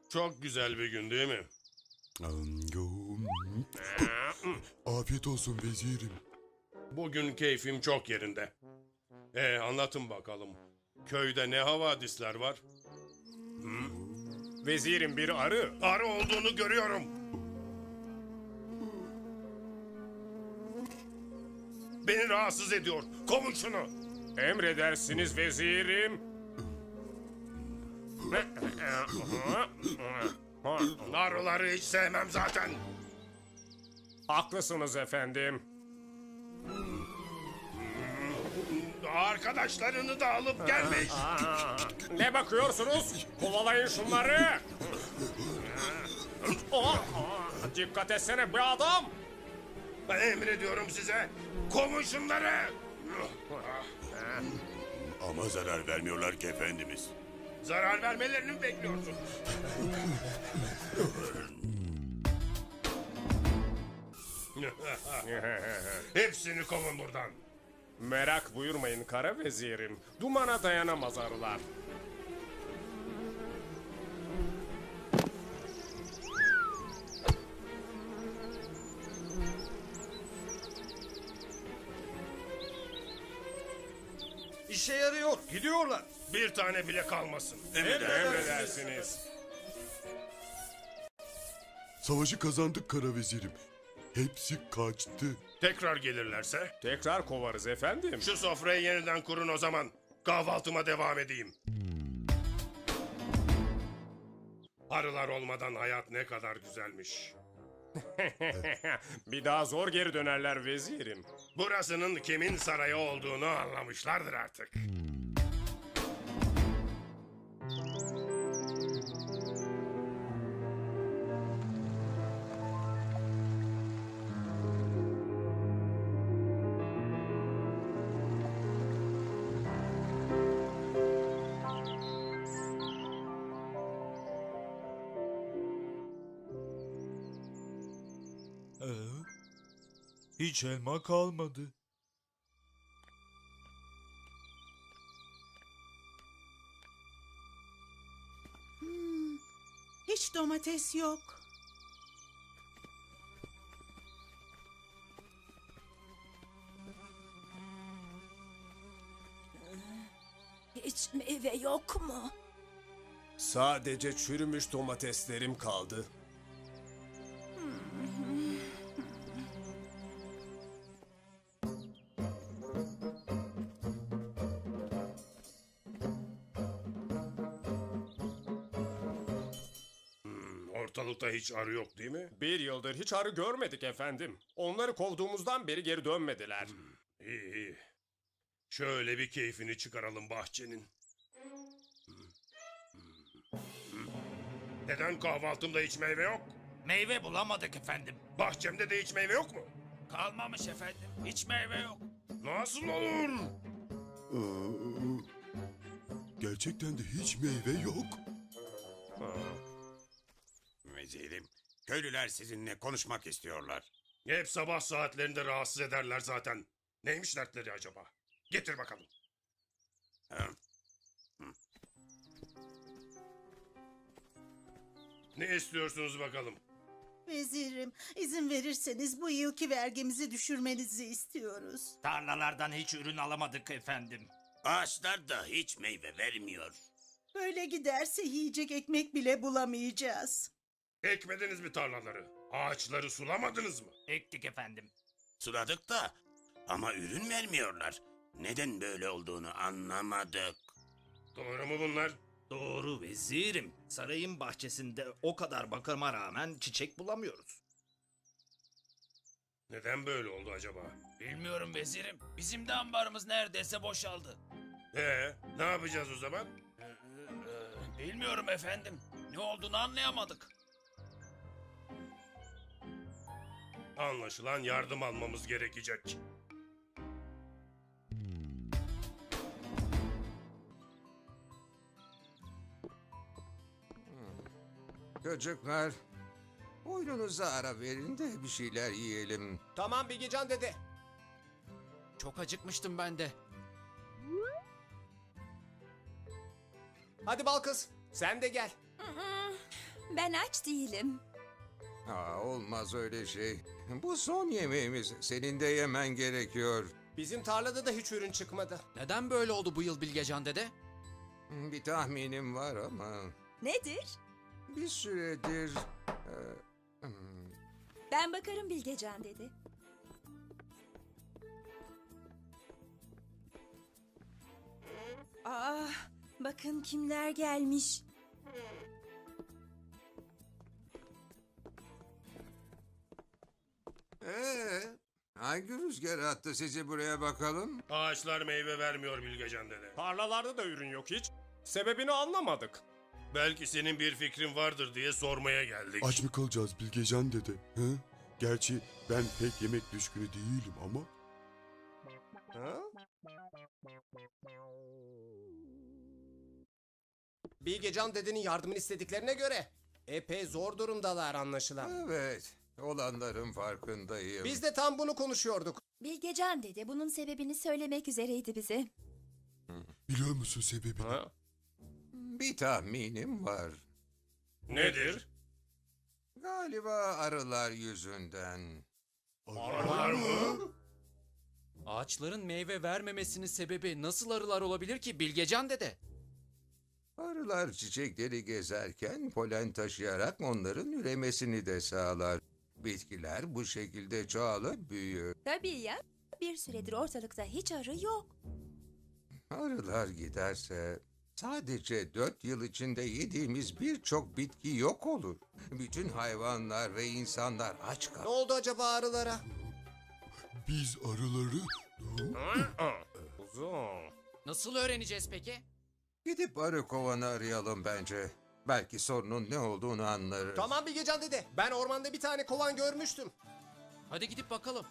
Çok güzel bir gün değil mi? Afiyet olsun vezirim. Bugün keyfim çok yerinde. Anlatın bakalım. Köyde ne havadisler var? Vezirim bir arı. Arı olduğunu görüyorum. Beni rahatsız ediyor. Kovun şunu. Emredersiniz vezirim. Arıları hiç sevmem zaten. Haklısınız efendim. Arkadaşlarını da alıp gelmiş. Ne bakıyorsunuz? Kovalayın şunları. Dikkat etsene be adam. Emrediyorum size. Kovun şunları. Ama zarar vermiyorlar ki efendimiz. Zarar vermelerini mi bekliyorsun? Hepsini kovun buradan. Merak buyurmayın kara vezirim. Dumana dayanamaz arılar. İşe yarıyor. Gidiyorlar. Bir tane bile kalmasın. Emredersiniz. Savaşı kazandık kara vezirim. Hepsi kaçtı. Tekrar gelirlerse Tekrar kovarız efendim. şu sofrayı yeniden kurun o zaman. Kahvaltıma devam edeyim. Arılar olmadan hayat ne kadar güzelmiş. Bir daha zor geri dönerler vezirim. Burasının kimin sarayı olduğunu anlamışlardır artık. Hiç elma kalmadı. Hiç domates yok. Hiç meyve yok mu? Sadece çürümüş domateslerim kaldı. Ortalıkta hiç arı yok değil mi? Bir yıldır hiç arı görmedik efendim. Onları kovduğumuzdan beri geri dönmediler. İyi iyi. Şöyle bir keyfini çıkaralım bahçenin. Neden kahvaltımda hiç meyve yok? Meyve bulamadık efendim. Bahçemde de hiç meyve yok mu? Kalmamış efendim. Hiç meyve yok. Nasıl olur? Gerçekten de hiç meyve yok. Vezirim, köylüler sizinle konuşmak istiyorlar. Hep sabah saatlerinde rahatsız ederler zaten. Neymiş dertleri acaba? Getir bakalım. Ha? Ne istiyorsunuz bakalım? Vezirim, izin verirseniz bu yılki vergimizi düşürmenizi istiyoruz. Tarlalardan hiç ürün alamadık efendim. Ağaçlar da hiç meyve vermiyor. Böyle giderse yiyecek ekmek bile bulamayacağız. Ekmediniz mi tarlaları? Ağaçları sulamadınız mı? Ektik efendim. Suladık da ama ürün vermiyorlar. Neden böyle olduğunu anlamadık. Doğru mu bunlar? Doğru vezirim. Sarayın bahçesinde o kadar bakıma rağmen çiçek bulamıyoruz. Neden böyle oldu acaba? Bilmiyorum vezirim. Bizim de ambarımız neredeyse boşaldı. Ne yapacağız o zaman? Bilmiyorum efendim. Ne olduğunu anlayamadık. Anlaşılan yardım almamız gerekecek. Çocuklar, oyununuza ara verin de bir şeyler yiyelim. Tamam Bilgecan dede. Çok acıkmıştım ben de. Hadi bal kız, sen de gel. Ben aç değilim. Olmaz öyle şey. Bu son yemeğimiz. Senin de yemen gerekiyor. Bizim tarlada da hiç ürün çıkmadı. Neden böyle oldu bu yıl Bilgecan dede? Bir tahminim var ama Nedir? bir süredir... Ben bakarım Bilgecan dedi. Bakın kimler gelmiş. Hangi rüzgar attı sizi buraya bakalım? Ağaçlar meyve vermiyor Bilgecan dede. Tarlalarda da ürün yok hiç. Sebebini anlamadık. Belki senin bir fikrin vardır diye sormaya geldik. Aç mı kalacağız Bilgecan dede? He? Gerçi ben pek yemek düşkünü değilim ama. Bilgecan dedenin yardımını istediklerine göre epey zor durumdalar anlaşılan. Evet, olanların farkındayım. Biz de tam bunu konuşuyorduk. Bilgecan dede bunun sebebini söylemek üzereydi bize. Biliyor musun sebebini? Ha? Bir tahminim var. Nedir? Galiba arılar yüzünden. Arılar mı? Ağaçların meyve vermemesinin sebebi nasıl arılar olabilir ki Bilgecan dede? Arılar çiçekleri gezerken polen taşıyarak onların üremesini de sağlar. Bitkiler bu şekilde çoğalıp büyür. Tabii ya. Bir süredir ortalıkta hiç arı yok. Arılar giderse sadece 4 yıl içinde yediğimiz birçok bitki yok olur. Bütün hayvanlar ve insanlar aç Ne kalır. oldu acaba arılara? Biz arıları... Uzun. Nasıl öğreneceğiz peki? Gidip arı kovanı arayalım bence. Belki sorunun ne olduğunu anlarız. Tamam Bilgecan dede. Ben ormanda bir tane kovan görmüştüm. Hadi gidip bakalım.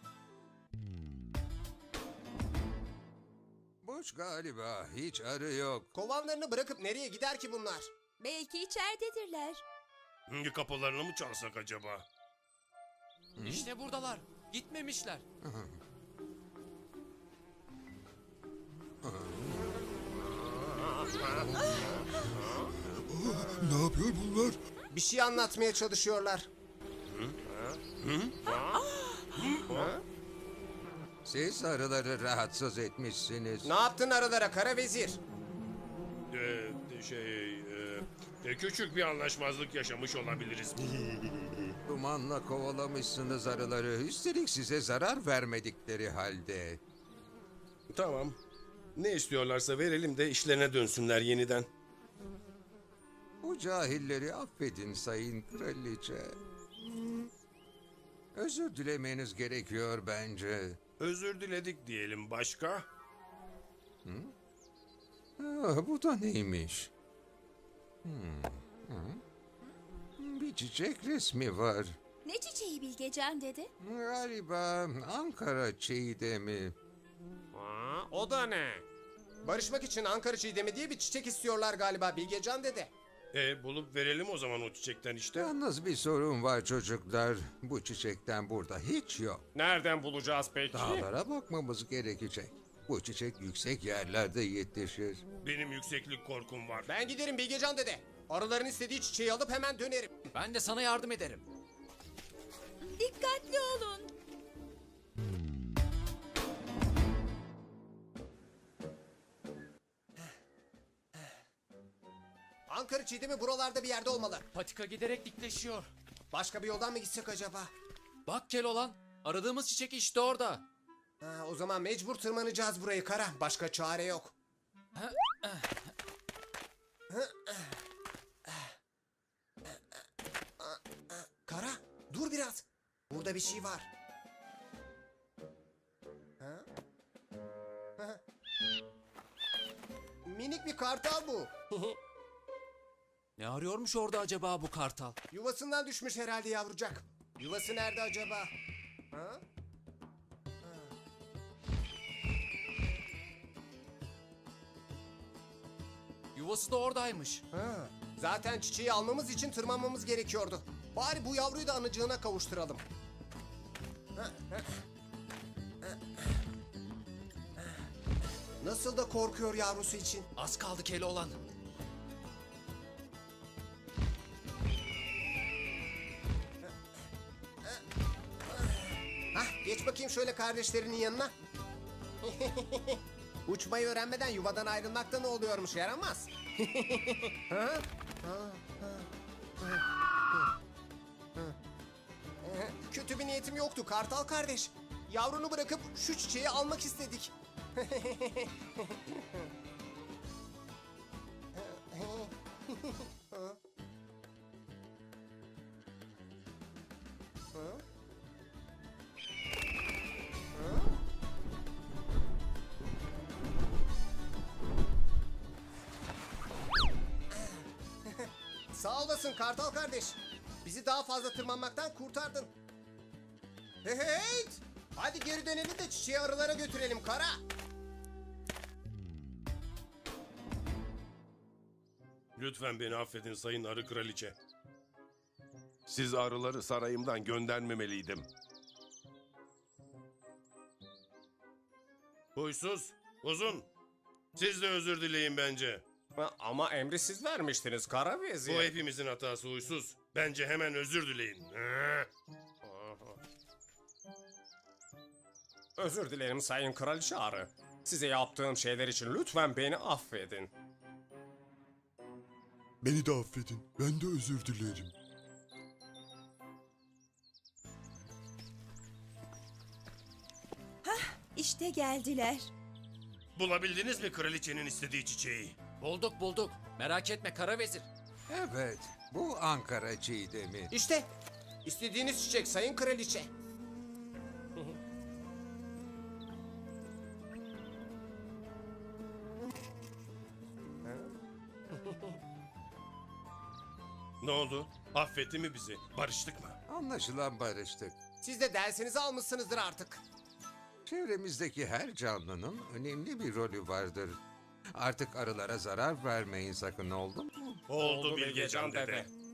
Boş galiba, hiç arı yok. Kovanlarını bırakıp nereye gider ki bunlar? Belki içeridedirler. Hangi kapılarını mı çalsak acaba? İşte buradalar. Gitmemişler. Ne yapıyor bunlar? Bir şey anlatmaya çalışıyorlar. Siz arıları rahatsız etmişsiniz. Ne yaptın arılara kara vezir? Küçük bir anlaşmazlık yaşamış olabiliriz. Dumanla kovalamışsınız arıları. Üstelik size zarar vermedikleri halde. Tamam. Ne istiyorlarsa verelim de işlerine dönsünler yeniden. Bu cahilleri affedin sayın kraliçe. Özür dilemeniz gerekiyor bence. Özür diledik diyelim, başka? Bu da neymiş? Bir çiçek resmi var. Ne çiçeği Bilgecan dede? Galiba Ankara çiğdemi. O da ne? Barışmak için Ankara çiğdemi diye bir çiçek istiyorlar galiba Bilgecan dede. Bulup verelim o zaman o çiçekten işte. Yalnız bir sorun var çocuklar. Bu çiçekten burada hiç yok. Nereden bulacağız peki? Dağlara bakmamız gerekecek. Bu çiçek yüksek yerlerde yetişir. Benim yükseklik korkum var. Ben giderim Bilgecan dede. Arıların istediği çiçeği alıp hemen dönerim. Ben de sana yardım ederim. Dikkatli olun. Ankara çiğdemi buralarda bir yerde olmalı. Patika giderek dikleşiyor. Başka bir yoldan mı gitsek acaba? Bak Keloğlan. Aradığımız çiçek işte orada. O zaman mecbur tırmanacağız burayı Kara. Başka çare yok. Kara, dur biraz. Burada bir şey var. Minik bir kartal bu. Ne arıyormuş orada acaba bu kartal? Yuvasından düşmüş herhalde yavrucak. Yuvası nerede acaba? Ha? Yuvası da oradaymış. Zaten çiçeği almamız için tırmanmamız gerekiyordu. Bari bu yavruyu da anacığına kavuşturalım. Nasıl da korkuyor yavrusu için. Az kaldı Keloğlan. Geç bakayım şöyle kardeşlerinin yanına. Uçmayı öğrenmeden yuvadan ayrılmakta ne oluyormuş, yaramaz. Kötü bir niyetim yoktu Kartal kardeş. Yavrunu bırakıp şu çiçeği almak istedik. Sağ olasın Kartal kardeş. Bizi daha fazla tırmanmaktan kurtardın. Hey! Hadi geri dönelim de çiçeği arılara götürelim Kara. Lütfen beni affedin sayın arı kraliçe. Siz arıları sarayımdan göndermemeliydim. Huysuz, uzun. Siz de özür dileyin bence. Ama emri siz vermiştiniz Kara Vezir. Bu hepimizin hatası huysuz. Bence hemen özür dileyin. Özür dilerim Sayın Kraliçe Arı. Size yaptığım şeyler için lütfen beni affedin. Beni de affedin. Ben de özür dilerim. İşte geldiler. Bulabildiniz mi kraliçenin istediği çiçeği? Bulduk. Merak etme kara vezir. Evet, bu Ankara çiğdemi. İşte istediğiniz çiçek Sayın Kraliçe. Ne oldu? Affetti mi bizi? Barıştık mı? Anlaşılan barıştık. Siz de dersinizi almışsınızdır artık. Çevremizdeki her canlının önemli bir rolü vardır. Artık arılara zarar vermeyin sakın, oldu mu? Oldu Bilgecan dede.